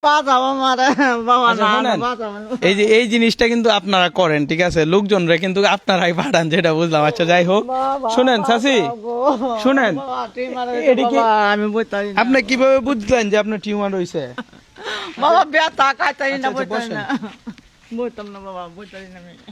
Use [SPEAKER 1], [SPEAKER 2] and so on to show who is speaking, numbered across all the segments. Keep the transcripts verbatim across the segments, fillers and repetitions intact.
[SPEAKER 1] এই যে এই জিনিসটা কিন্তু আপনারা করেন, ঠিক আছে, লোকজনরা কিন্তু আপনারাই পাঠান, যেটা বুঝলাম। আচ্ছা যাই হোক, শুনেন চাচি, শুনেন, আপনি কিভাবে বুঝলেন যে আপনার টিউমার হয়েছে?
[SPEAKER 2] বাবা ব্যথা খাইতাই না, বইতাই না, বইতাম না বাবা, বইতাই না আমি।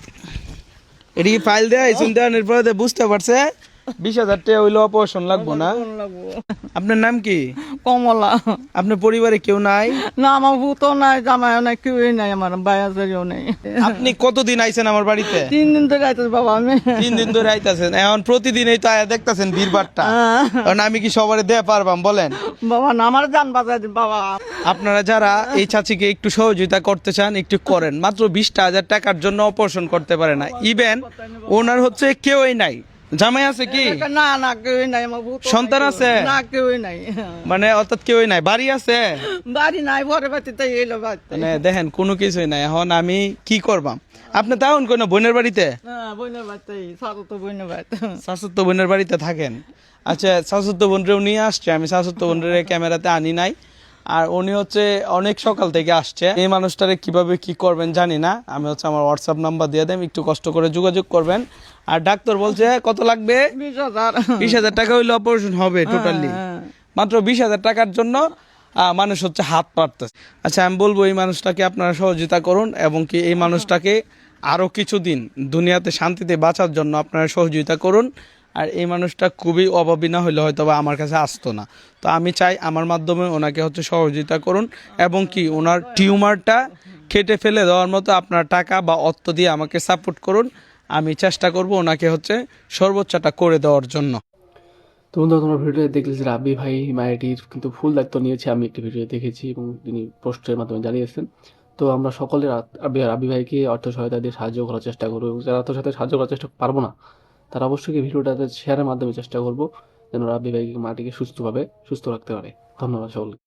[SPEAKER 1] এটা কি ফাইল দেয় দেওয়ানোর পরে বুঝতে পারছে বিশ হাজার টাকা হইলে অপারেশন লাগবো না? আপনার নাম কি?
[SPEAKER 2] কমলা।
[SPEAKER 1] আপনার পরিবারে কেউ নাই?
[SPEAKER 2] না, আমার ভূত নাই, জামাই নাই, কেউই নাই, আমার বায়াজেরও নেই।
[SPEAKER 1] আপনি কতদিন আইছেন আমার বাড়িতে?
[SPEAKER 2] তিন দিন ধরে আইতেছে বাবা আমি।
[SPEAKER 1] তিন দিন ধরে আইতাছেন, এখন প্রতিদিন এই তো আয়া দেখতাছেন ভিড়ভাড়টা, কারণ আমি কি সবারে দেয়া পারবাম বলেন?
[SPEAKER 2] বাবা না, আমার জান বাঁচাই দিন বাবা।
[SPEAKER 1] আপনারা যারা এই চাচিকে একটু সহযোগিতা করতে চান একটু করেন, মাত্র বিশটা হাজার টাকার জন্য অপারেশন করতে পারে না। ইভেন ওনার হচ্ছে কেউই নাই। জামাই আছে কি?
[SPEAKER 2] না না, কেউই নাই, আমার ভূত।
[SPEAKER 1] সন্তান আছে?
[SPEAKER 2] না, কেউই নাই।
[SPEAKER 1] মানে অর্থাৎ কেউই নাই। বাড়ি আছে?
[SPEAKER 2] বাড়ি নাই, পরে বাড়িতে এলো বাড়িতে।
[SPEAKER 1] মানে দেখেন কোনো কিছুই নাই। এখন আমি কি করবাম? আপনি তাহলে কোন বোনের বাড়িতে?
[SPEAKER 2] হ্যাঁ, বোনের বাড়িতে, সাতো বোনের বাড়িতে,
[SPEAKER 1] শাশুত্ত বোনের বাড়িতে থাকেন? আচ্ছা, শাশুত্ত বোনরেও নিয়ে আসছে, আমি শাশুত্ত বোনের ক্যামেরাতে আনি নাই। আর উনি হচ্ছে অনেক সকাল থেকে আসছে। এই মানুষটারে কিভাবে কি করবেন জানি না। আমি হচ্ছে আমার হোয়াটসঅ্যাপ নাম্বার দিয়ে দেন, একটু কষ্ট করে যোগাযোগ করবেন। আর ডাক্তার বলছে কত লাগবে?
[SPEAKER 2] বিশ হাজার।
[SPEAKER 1] বিশ হাজার টাকা হইলে অপারেশন হবে টোটালি। মাত্র বিশ হাজার টাকার জন্য আহ, মানুষ হচ্ছে হাত পারতেছে। আচ্ছা, আমি বলবো এই মানুষটাকে আপনারা সহযোগিতা করুন, এবং কি এই মানুষটাকে আরো কিছুদিন দুনিয়াতে শান্তিতে বাঁচার জন্য আপনারা সহযোগিতা করুন। আর এই মানুষটা খুবই অভাবী, না হলে হয়তো বা আমার কাছে আসতো না। তো আমি চাই আমার মাধ্যমে ওনাকে হচ্ছে সহযোগিতা করুন, এবং কি ওনার টিউমারটা কেটে ফেলে দেওয়ার মতো আপনার টাকা বা অর্থ দিয়ে আমাকে সাপোর্ট করুন। আমি চেষ্টা করব ওনাকে হচ্ছে সর্বোচ্চটা করে দেওয়ার জন্য।
[SPEAKER 3] তো বন্ধুরা, তোমরা ভিডিওতে দেখলে যে রাব্বি ভাই মায়াটির কিন্তু ফুল দায়িত্ব নিয়েছে, আমি একটি ভিডিও দেখেছি এবং তিনি পোস্টের মাধ্যমে জানিয়েছেন। তো আমরা সকলে রাব্বি ভাইকে অর্থ সহায়তা দিয়ে সাহায্য করার চেষ্টা করবো, এবং যারা অর্থ সহায়তা সাহায্য করার চেষ্টা পারবো না, তারা অবশ্যই ভিডিওটাতে শেয়ারের মাধ্যমে চেষ্টা করবো যেন রাব্বি ভাইকে মাটিকে সুস্থভাবে সুস্থ রাখতে পারে। ধন্যবাদ সকলকে।